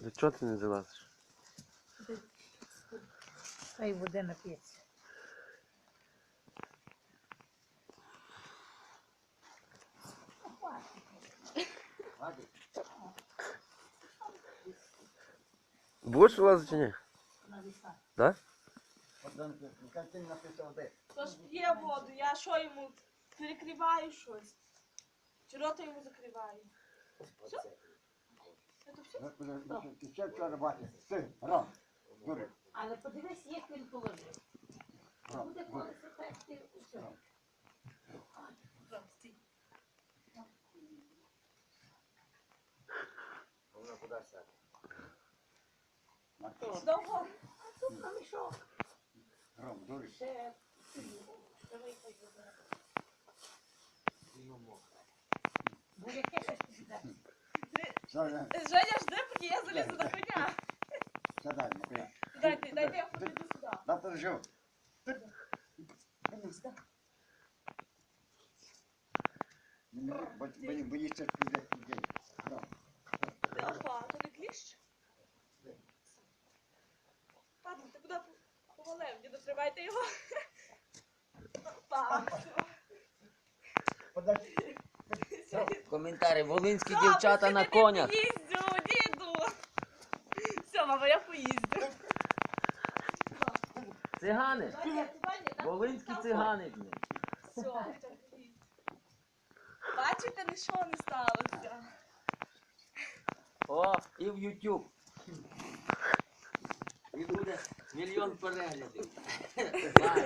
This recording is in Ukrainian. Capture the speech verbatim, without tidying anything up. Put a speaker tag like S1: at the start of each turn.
S1: Чого ти не залазиш?
S2: Хай буде нап'ється.
S1: Будеш вилазити чи ні? Так?
S3: Тож п'є воду, я що йому перекриваю щось? Чи рота йому закриваю? Все? Це все?
S4: Ти ще вчора бачиш? Ти, Ром, дури.
S2: Але подивись, як він положив. Буде колесо так, ти все.
S3: Ром, стій.
S4: Вона куди сяде?
S3: Довго?
S2: А тут на мішок.
S4: Ром, дури.
S2: Ще. Давай хай буде. Бо яке щось піде.
S4: Сядай,
S3: Женя, жди, поки я залізу на коня.
S4: сядай, Матвій.
S3: Дайте, дайте я подійду сюди.
S4: Да, подожди. Боїшся чужих людей. Ром.
S3: Опа, то не кліщ? Ладно, ти куди повалив? Діду, тримайте його. Опа.
S4: Подожди.
S5: Коментарі. Волинські
S3: Що,
S5: дівчата на
S3: посидити
S5: конях.
S3: Поїздю, діду. Все, мама, я поїздю.
S5: Цигани.
S3: Туди, туди, там-
S5: Волинські
S3: там
S5: цигани. блін.
S3: Все, бачите, нічого не сталося.
S5: О, і в YouTube. І буде мільйон переглядів.